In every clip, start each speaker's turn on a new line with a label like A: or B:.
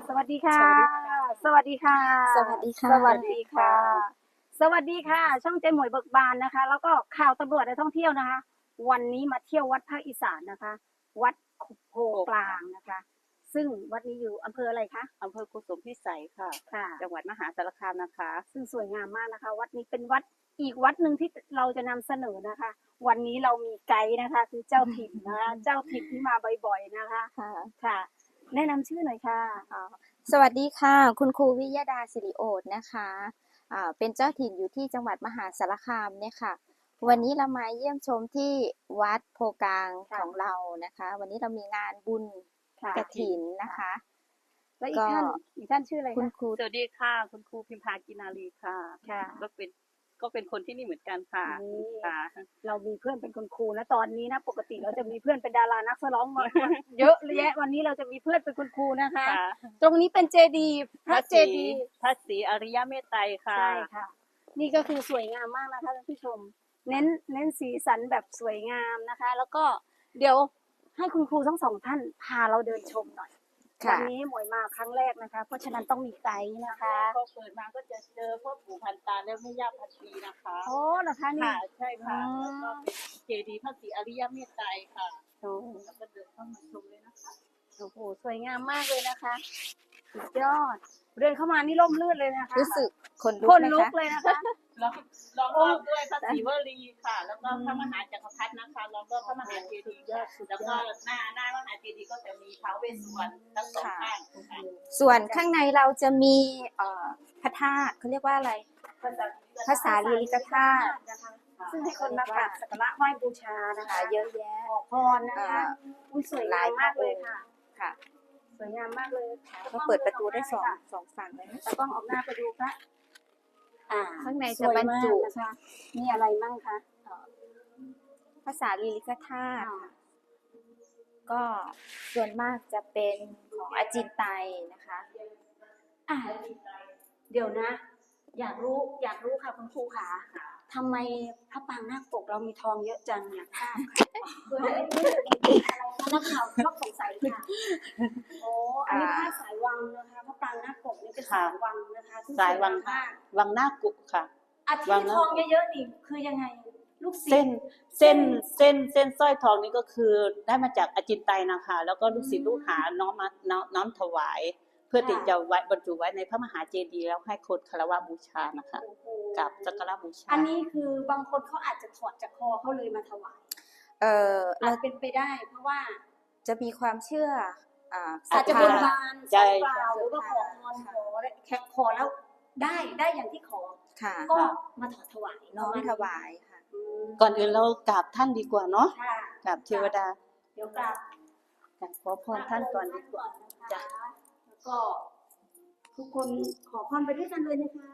A: สวัสดีค่ะ
B: สวัสดีค่ะ
A: สวัสดีค่ะ
B: สวัสดีค่ะ
A: สวัสดีค่ะ ช่องเจ๊หมวยเบิกบานนะคะ แล้วก็ข่าวตำรวจและท่องเที่ยวนะคะ วันนี้มาเที่ยววัดภาคอีสานนะคะ วัดโพกลางนะคะ ซึ่งวัดนี้อยู่อำเภออะไรคะ
B: อำเภอกุสุมพิสัยค่ะ
A: ค่ะ
B: จังหวัดมหาสารคามนะคะ
A: ซึ่งสวยงามมากนะคะ วัดนี้เป็นวัดอีกวัดหนึ่งที่เราจะนำเสนอนะคะ วันนี้เรามีไกด์นะคะ คือเจ้าถิ่นนะคะเจ้าถิ่นที่มาบ่อยๆนะคะ
C: ค่ะ
A: ค่ะ แนะนำชื่อหน่อยค่ะ
C: สวัสดีค่ะ คุณครูวิยดาสิริโอษฐ์นะคะเป็นเจ้าถิ่นอยู่ที่จังหวัดมหาสารคามเนี่ยค่ะ วันนี้เรามาเยี่ยมชมที่วัดโพกลาง
A: ค่ะ
C: ของเรานะคะ วันนี้เรามีงานบุญ
A: ค่ะ
C: กฐินนะคะ
A: แล้วอีกท่านชื่ออะไร
C: คุณ
A: คะ
C: ครู
B: สวัสดีค่ะ คุณครูพิมพากินารีค่ะ
A: ค่ะ
B: ก็เป็นคนที่นี่เหมือนกันค่ะ
A: นี่
B: ค่ะ
A: เรามีเพื่อนเป็นคุณครูนะตอนนี้นะปกติเราจะมีเพื่อนเป็นดารานักร้องมาเยอะแยะวันนี้เราจะมีเพื่อนเป็นคุณครูนะคะ
B: ค่ะ
A: ตรงนี้เป็นเจดีย์พระเจดีย์
B: พระศรีอริยเมตไตรค่ะ
A: ใช่ค่ะ นี่ก็คือสวยงามมากนะคะท่านผู้ชม เน้นสีสันแบบสวยงามนะคะ แล้วก็เดี๋ยวให้คุณครูทั้งสองท่านพาเราเดินชมหน่อย
C: ค่ะ
A: วันนี้หมวยมาครั้งแรกนะคะ เพราะฉะนั้นต้องมีไกด์นะคะ
B: พอเปิดมาก็จะเจอพ่อปู่พันตาและแม่ย่าพันปีนะคะ
A: โอ้เหรอคะนี่
B: ค่ะ ใช่ค่ะ
A: อืม
B: แล้วก็เป็นเจดีย์พระศรีอริยเมตไตรค่ะ
A: โอ้
B: แล้วก็เดินเข้ามาชมเลยนะคะ
A: โอ้โหสวยงามมากเลยนะคะสุดยอดเดินเข้ามานี่ร่มรื่นเลยนะคะ
C: รู้สึกขนลุ
A: ค
C: ก
A: น
C: ไหม
A: ลุก
C: คะ
A: เลยนะคะ
B: ลองรอบด้วยพระศรีวลีค่ะ แล้วก็พระมหาจักรพรรดินะคะแล้วก็พระมหาเจดีย์แล้วก็หน้ามหาเจดีย์ก็จะมีท้าวเวสสุวรรณทั้งสองข้างค่ะ
C: ส่วนข้างในเราจะมีพระธาตุเขาเรียกว่าอะไร ภาษาลีลิกธาตุ
A: นะคะซึ่งให้คนมากราบสักการะไหว้บูชานะคะ
C: เยอะแยะ
A: ขอพรนะคะอุ้ยสวยงามมากเลยค่ะ
C: ค่ะ
A: สวยงามมากเลย
C: ก็เปิดประตูได้สองฝั่งเลยนะ
A: ตากล้องออกหน้าไปดูค่ะ
C: ข้างใน
A: ส
C: จะ
A: วย
C: บรร
A: มาก
C: จุ
A: นะคะมีอะไรมั่งคะ
C: ภาษาลีลิกธาตุก็ส่วนมากจะเป็นของอาจินไตยนะคะ
A: อ่ะเดี๋ยวนะ อยากรู้ค่ะคุณครูค่ะทำไมพระปางนาคปกเรามีทองเยอะจังเนี่ยทราบค่ะเพื่ออะไรนักข่าวชอบสงสัยค่ะโอ้อันนี้ผ้าสายวังนะคะพระปางนาคปกนี่เป็นสายวังนะคะซึ่ง
B: สายวัง
A: มาก
B: วังหน้ากุค่ะ
A: อาที่ทองเยอะๆนี่คือยังไงลูกศิษย์
B: เส้นสร้อยทองนี่ก็คือได้มาจากอาจินไตยนะคะ แล้วก็ลูกศิษย์ลูกหาน้อมถวาย เพื่อที่จะไว้บรรจุไว้ในพระมหาเจดีย์แล้วให้คนคารวะบูชานะคะ
A: โอ้โห
B: กับสักการะบูชา
A: อันนี้คือบางคนเขาอาจจะถอดจากคอเขาเลยมาถวาย
C: เรา
A: อาจเป็นไปได้ เพราะว่า
C: จะมีความเชื่อศรั
A: อา
C: ท
A: จจะ
C: ธา
A: บนบาน
B: ใช่
A: สารกล่าวหรือว่าขอพรขอแล้วได้อย่างที่ขอ
C: ค่ะ
A: ก็มาถวาย
C: น้อมถวายค่ะ
B: ก่อนอื่นเรากราบท่านดีกว่าเนาะ
A: ค่ะ
B: กราบเทวดา
A: เดี๋ยวกราบ
B: กราบขอพรท่านก่อนดีกว่า
A: จ้ะแล้วก็ทุกคนขอพรไปด้วยกันเลยนะคะ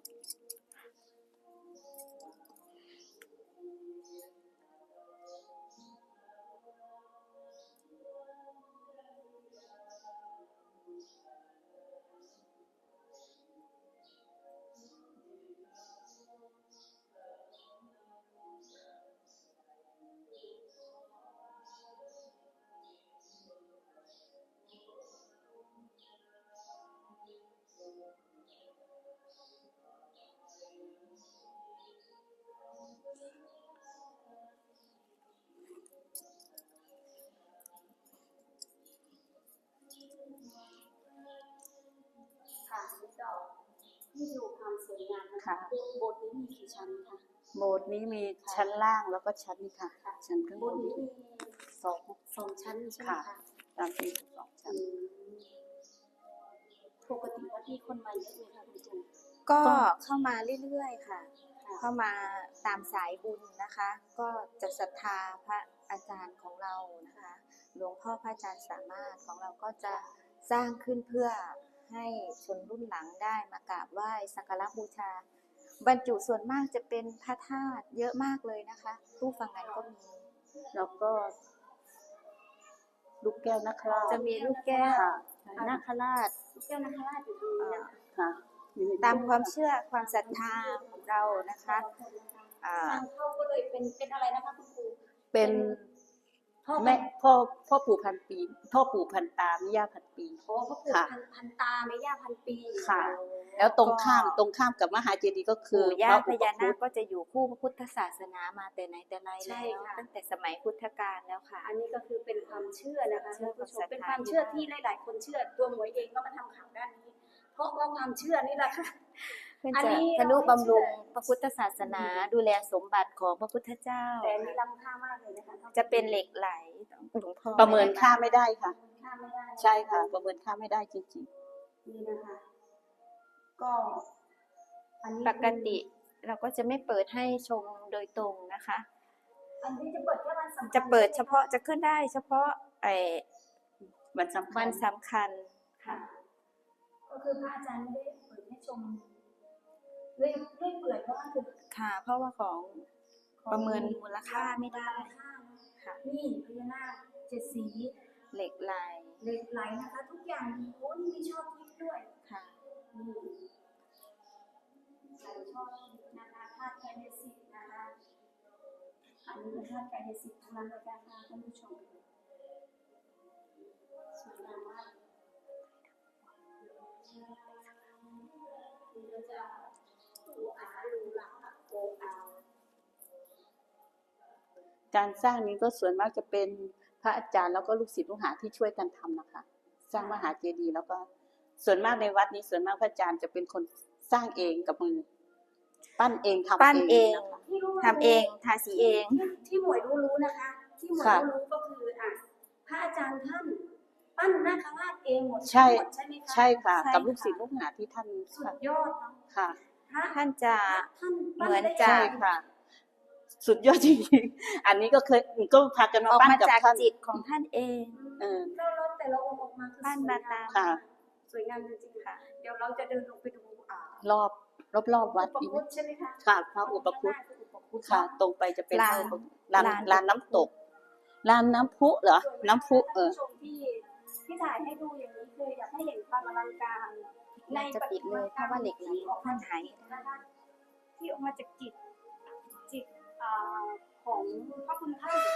A: ค่ะนี่ดูความสวยงามนะคะ
B: ค่ะ
A: โบสถ์นี้มีกี่ชั้นคะ
B: โบสถ์นี้มีชั้นล่างแล้วก็ชั้นนี้ค่ะ ชั้นข้าง
A: โบบ สถ์
B: น
A: นี้มี
B: สอง
A: 2 ชั้นใช่ไหม
B: ค่ะ
A: คะ
B: ตามที่สองชั้น
A: ปกติวัดนี้คนมาเยอะไหมคะคุณจูน
C: ก็เข้ามาเรื่อยๆค่ะ
A: ค่ะ
C: เข้ามาตามสายบุญนะคะ ก็จะศรัทธาพระอาจารย์ของเรานะคะ หลวงพ่อพระอาจารย์สามารถของเราก็จะสร้างขึ้นเพื่อให้ชนรุ่นหลังได้มากราบไหว้สักการะบูชา บรรจุส่วนมากจะเป็นพระธาตุเยอะมากเลยนะคะตู้ฟังนั้นก็มี
B: แล้วก็ลูกแก้วนะครับ
C: จะมีลูกแก้ว
B: ค่ะ
C: นาคราช
A: ลูกแก้วนาคราชอยู่ตรงนี้นะ
B: ค่ะ
C: ตามความเชื่อความศรัทธาของเรานะคะ
A: ทางเข้าก็เลยเป็นอะไรนะคะคุณครู
B: เป็น
A: พพ่อ
B: แม่พ่อปู่พันปี พ่อปู่พันตาแม่ย่าพันปี
A: พ่อปู่
B: ค่ะ
A: พันตาแม่ย่าพันปี
B: ค่ะ แล้วตรงข้ามกับมหาเจดีย์ก็คือ
C: ปู่ย่า
B: พระ
C: พ
B: อุป
C: ญานา
B: คุ
C: ค
B: ต
C: ก็จะอยู่คู่พระพุทธศาสนามาแต่ไหนแต่ไร
A: ใช่
C: แล้ว
A: ค่ะ
C: ตั้งแต่สมัยพุทธกาลแล้วค่ะ
A: อันนี้ก็คือเป็นความเชื่อนะคะ
C: เชื่อ
A: ท่านผู้ช
C: ศรั
A: ม
C: ทธา
A: เป็นความเชื่อที่หลาย ๆ คนเชื่อตัวหมวยเองก็มาทำข่าวด้านนี้ เพราะว่าความเชื่อนี่แหละค่ะ
C: เพื่อ
A: อัน
C: จะ
A: นี้
C: ทนุ
A: เราไม่
C: บำรุง
A: เชื่อ
C: พระพุทธศาสนาดูแลสมบัติของพระพุทธเจ้า
A: แต่มีล้ำค่ามากเลยนะคะ
C: จะเป็นเหล็กไหลหลวงพ่อ
B: ประเมินค่าไม่ได้ค่ะ
A: ค่าไม่ได้
B: ใช่ค่ะ ประเมินค่าไม่ได้จริง
A: นี่นะคะ ก็อันนี้
C: ปกติเราก็จะไม่เปิดให้ชมโดยตรงนะคะ
A: อันนี้จะเปิดแค่วันสำคัญ
C: จะเปิดเฉพาะจะขึ้นได้เฉพาะ
B: ๆวันสำคั
C: วั
B: ญ
C: นสำคัญ
A: ค่ะ
C: ค่ะ
A: ก็คือพระอาจารย์ไม่ได้เปิดให้ชมเรื่อยเปื่อยเพราะว่าคือ
C: ค่ะ เพราะว่าของประเมินมูลค่าไม่ได้
A: ค่าเนอะ
C: ค่ะ
A: นี่พญานาค7 สี
C: เหล็กไหล
A: เหล็กไหลนะคะ ทุกอย่างมีโอ้นี่มีชอบทิพย์ด้วย
C: ค่ะ
A: นี่ใส่ชอบทิพย์นะคะธาตุไกายสิทธิ์นะคะอันนี้เป็นธาตุไกายสิทธิ์ทั้งนั้นเลยนะคะท่านผู้ชมสวยงามมากนี่ก็จะดูอาดูหลักโกอา
B: การสร้างนี้ก็ส่วนมากจะเป็นพระอาจารย์แล้วก็ลูกศิษย์ลูกหาที่ช่วยกันทำนะคะ สร้างมหาเจดีย์แล้วก็ส่วนมากในวัดนี้ส่วนมากพระอาจารย์จะเป็นคนสร้างเองกับมือ ปั้นเองทำ
C: ปั้นเอง
B: นะคะ
A: ที่รู้
C: ทำเองทาสีเอง
A: ที่หมวยรู้นะคะ ที่หมวย
B: ค่ะ
A: รู้ก็คือพระอาจารย์ท่านปั้นนาคราชเองหมด
B: ใช่
A: ทั้งหมดใช่ไหมคะ
B: ใช่ค่ะ
C: ใช่
B: กับลูก
C: ค่ะ
B: ศิษย์ลูกหาที่ท่าน
A: สุดยอดเนาะ
B: ค่ะ
A: พระ
C: ท่านจะ
A: ท่าน
C: เหมือน
A: ปั้ได้
C: จะ
B: ใช่ค่ะ สุดยอดจริงๆอันนี้ก็เคยก็พากัน
C: อ
B: มา
C: อก
B: ปั้น
C: มา
B: กับ
C: จาก
B: ท่าน
C: จิตของท่านเอง
B: เออ
A: แล้วแต่ละองค์ออกมาคือ
C: ปั้น
A: สวย
C: มาง ตาม
B: ค่ะ
A: สวยงามจริงๆ
C: ค่ะ
A: เดี๋ยวเราจะเดินลงไปดู
B: รอบวัด
A: อุป
B: อีก
A: คุตใช่ไหมคะ
B: ค่ะพระอุปคุต
A: ข้างหน้าคืออุปคุต
B: ค่ะ ตรงไปจะเป็น
C: ลาน
B: ลานน้ำตกลานน้ำพุเหรอ น้ำพุ
A: ท่านผู้ชมที่ถ่ายให้ดูอย่างนี้คืออยากให้เห็นความอลังการ
C: น่าจะปิดเลยเพราะว่าเหล็กไหลท่านหาย
A: นะคะที่ออกมาจากจิตของพระคุณท่าน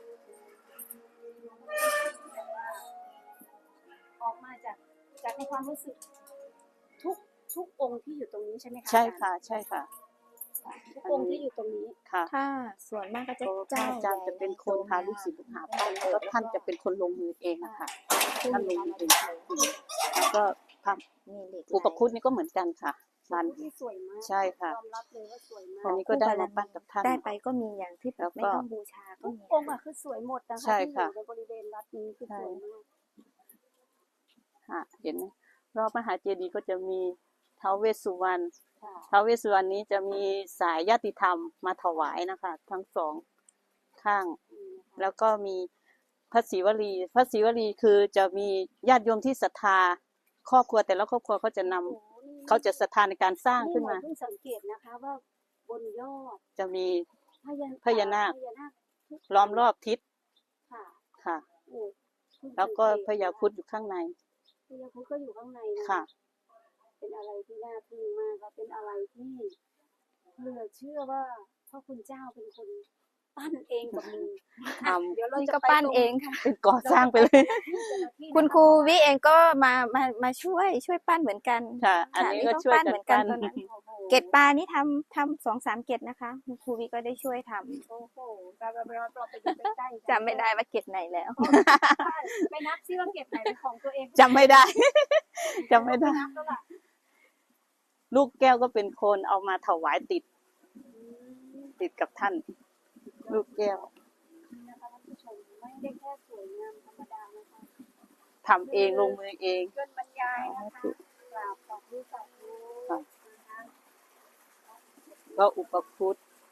A: ออกมาจากในความรู้สึกทุกองค์ที่อยู่ตรงนี้ใช่ไหมคะ
B: ใช่ค่ะ ใช่ค่ะ
A: ทุกองค์ที่อยู่ตรงนี้
B: ค่ะ
C: ถ้าส่วนมากก็จะ
B: พระ
C: เจ้า
B: อาจารย์จะเป็นคนพาลูกศิษย์ลูกหาปั้นแล้วก็ท่านจะเป็นคนลงมือเองนะคะท่านลงมือเองแล้วก็พระ
C: มีเหล็กไหล
B: อุปคุตนี่ก็เหมือนกันค่ะลาน
A: ที่สวยมาก
B: ใช่ค่ะ
A: ยอมรับเลยว่าสวยมา
B: อัน
A: ก
B: นี้ก็ได้มาปั้นกับท่าน
C: ได้ไปก็มีอย่างที่
B: แล้วก็
C: ไม่ต้องบูชาก็
A: ทุก
C: มี
A: องค์คือสวยหมดนะคะ
B: ใช่
A: ที่อ
B: ค่ะ
A: ยู่ในบริเวณวัดนี้คือสวยมาก
B: ค่ะเห็นไหมรอบมหาเจดีย์ก็จะมีท้าวเวสสุวรรณ
A: ค่ะ
B: ท้าวเวสสุวรรณนี้จะมีสายญาติธรรมมาถวายนะคะ ทั้งสองข้าง แล้วก็มีพระศรีวลีพระศรีวลีคือจะมีญาติโยมที่ศรัทธาครอบครัวแต่ละครอบครัวเขาจะนำ
A: โอ้โหนี่
B: เขาจะศรัทธาในการสร้างขึ้นมา
A: เพิ่งสังเกตนะคะว่าบนยอด
B: จะมี
A: พญานาคทุ
B: ล้อมรอบทิศ
A: ค่ะ
B: ค่ะ
A: โอ้เพิ่ง
B: แล้วก็
A: สังเต
B: พญาครุฑอยู่ข้างใน
A: พญาครุฑก็อยู่ข้างในน
B: ค่ะ
A: เป็นอะไรที่น่าทึ่งมากและเป็นอะไรที่เหลือเชื่อว่าพระคุณเจ้าเป็นคนปั้นเองกับมือ
B: ทำ
A: เดี๋ยวเรา
C: นี่
A: จะ
C: ก็
A: ไป
C: ปั้น
A: ตรง
C: เองค่ะ
B: เป็นก่อสร้างไปเลย
C: คุณครูวิเองก็มาช่วยปั้นเหมือนกัน
B: ค่ะ อันนี้ก็ช่วยกัน
C: เหมือนกัน
B: ปั้น
C: ตอนนั้น
A: โอ้โห
C: เกล็ดปลานี่ทำ2-3 เกล็ดนะคะคุณครูวิก็ได้ช่วยทำ
A: โอ้โหเราไปดูใกล้ๆ
C: จำไม่ได้ว่าเกล็ดไหนแล้ว
A: ไปนับซิว่าเก็บไหนเป็นของตัวเอง
B: จำไม่ได้ จำไม่ได้
A: นับแล้วล่ะ
B: ลูกแก้วก็เป็นคนเอามาถวายติดกับท่าน ลูกแก้ว
A: นี่นะคะท่านผู้ชมไม่ได้แค่สวยงามธรรมดานะคะ
B: ทำเองลงมือเอง
A: เกินบรรยายนะคะกราบขอบคุณสาธุ
B: ค่ะ
A: นะคะ
B: ก็อุปคุต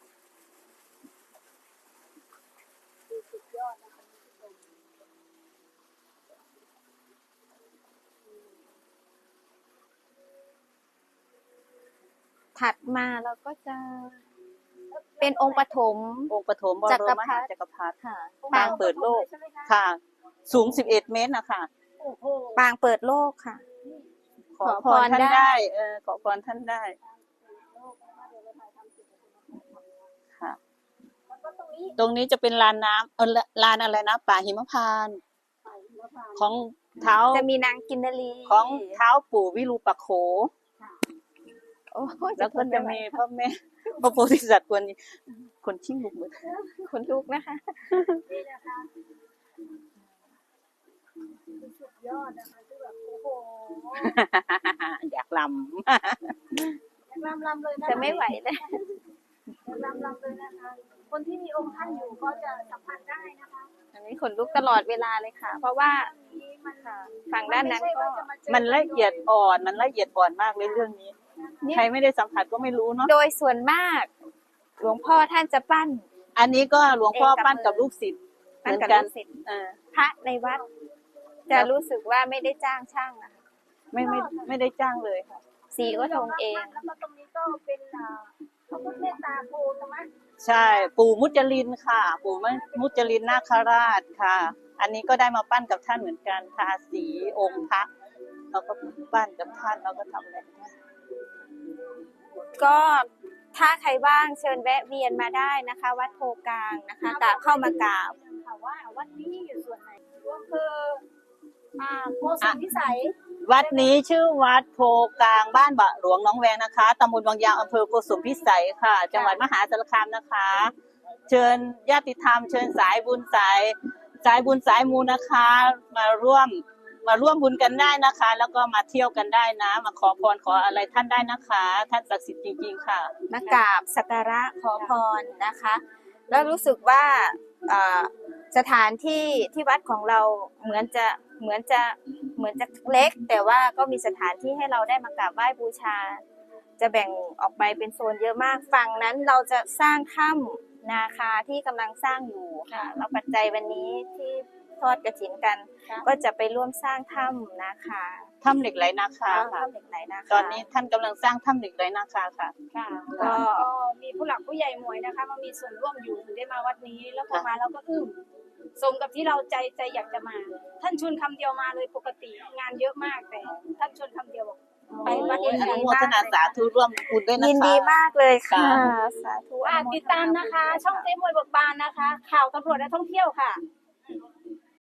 A: คือสุดยอดนะคะท่านผู้ชม
C: ถัดมาเราก็จะเป็นองค์ปฐม
B: องค์ปฐมบร
C: จักร
B: ม
C: พรรดิ
B: จักรพรรดิ
C: ค่ะ
B: ปางเปิดโลก
A: ใช่ไหมคะ
B: ค่ะ สูง11 เมตรนะคะ
A: โอ้โห
C: ปางเปิดโลกค่ะ
B: ขอ
C: ขอ
B: พ
C: พ
B: ร
C: ร
B: ท่าน
C: ได้
B: ได้ขอพรท่านได้
A: โลกนะคะเดี๋ยวเราถ่ายทำเสร็จแล้ว
B: ค่ะ
A: แล้วก็ตรงนี้นี้
B: ตรงนี้จะเป็นลานน้ำลานอะไรนะป่าหิมพานต์ของเท้า
C: จะมีนางกินนารี
B: ของเท้าปู่วิรูปักโข
C: โอ้ย
B: แล้วก็
C: ทน
B: จะ
C: ไไหว
B: มีพ่อแม่พระโพธิสัตว์คนชิ่งลุกมือ
C: คนลุกนะคะ
A: นี่นะคะสุดยอดนะคะคือแบบโอ้โห
B: อยากล
A: ลำเลยนะคะ
C: จะไม่ไหวเลย
A: ลำเลยนะคะ คนที่มีองค์ท่านอยู่ก็จะสัมผัสได้นะคะ
C: อันนี้ขนลุกตลอดเวลาเลยค่ะ เพราะว่า
A: นี้มัน
C: ฝั่งด้านนั้นก็
B: ำมันละเอียดอ่อนมากเลยเรื่องนี้ ใครไม่ได้สัมผัสก็ไม่รู้เนาะ
C: โดยส่วนมาก หลวงพ่อท่านจะปั้น
B: อันนี้ก็หลวงพ่อปั้นกับลูกศิษย์เห
C: ปั้น
B: มือน
C: กับ
B: กั
C: ลู
B: น
C: กศิษย์
B: เออ
C: พระในวัด จะรู้สึกว่าไม่ได้จ้างช่างนะคะ
B: ไม่ได้จ้างเลยค่ะ
C: สีก็ทงเอง
A: แล้วก็ตรงนี้ก็เป็นพระพุทธเมตตาโพธรรมะ
B: ใช่ ปู่มุจลินค่ะ ปู่มุจลินนาคราชค่ะ อันนี้ก็ได้มาปั้นกับท่านเหมือนกันทาสีองค์พระเราก็ปั้นกับท่านเราก็ทำอะไรกับท่าน
C: ก็ถ้าใครว่างเชิญแวะเวียนมาได้นะคะ วัดโพกลางนะคะกราบเข้ามากราบ
A: ค่ะว่าวัดนี้อยู่ส่วนไหนก็คือโพธิ์พิสัย
B: วัดนี้ชื่อวัดโพกลางบ้านบะหลวงหน้องแวงนะคะตำบลวังยางอำเภอโกสุมพิสัยค่ะ จังหวัดมหาสารคามนะคะ เชิญญาติธรรมเชิญสายบุญสายบุญสายมูนะคะ มาร่วมบุญกันได้นะคะ แล้วก็มาเที่ยวกันได้นะ มาขอพรขออะไรท่านได้นะคะ ท่านศักดิ์สิทธิ์จริงๆค่ะ
C: มากราบสักการะขอพรนะคะ แล้วรู้สึกว่าสถานที่ที่วัดของเราเหมือนจะเล็ก แต่ว่าก็มีสถานที่ให้เราได้มากราบไหว้บูชา จะแบ่งออกไปเป็นโซนเยอะมากฝั่งนั้นเราจะสร้างถ้ำนาคาที่กำลังสร้างอยู่ค่ะแล้วปัจจัยวันนี้ที่ทอดกฐินกัน ก็จะไปร่วมสร้างถ้ำนาคา
B: ถ้ำเหล็กไหลนาคาค่ะ
C: ถ้ำเหล็กไหลนาคา
B: ตอนนี้ท่านกำลังสร้างถ้ำเหล็กไหลนาคาค่ะ
A: ค่ะ
C: ก็
A: ก็มีผู้หลักผู้ใหญ่หมวยนะคะมามีส่วนร่วมอยู่ถึงได้มาวัดนี้ แล้วพอมาเราก็อึ้งสมกับที่เราใจอยากจะมา ท่านชวนคำเดียวมาเลยปกติงานเยอะมากแต่ท่านชวนคำเดียวบอกไปวัด
B: โอ้ย
A: นี้
B: อนุโมทนาสาธุร่วมบุญด้วยนะคะ
C: ยินดีมากเลยค่ะ
B: ค่ะ
C: สาธุ
A: ติดตามนะคะ ช่องเจ๊มวยเบิกบานนะคะ ข่าวตำรวจและท่องเที่ยวค่ะ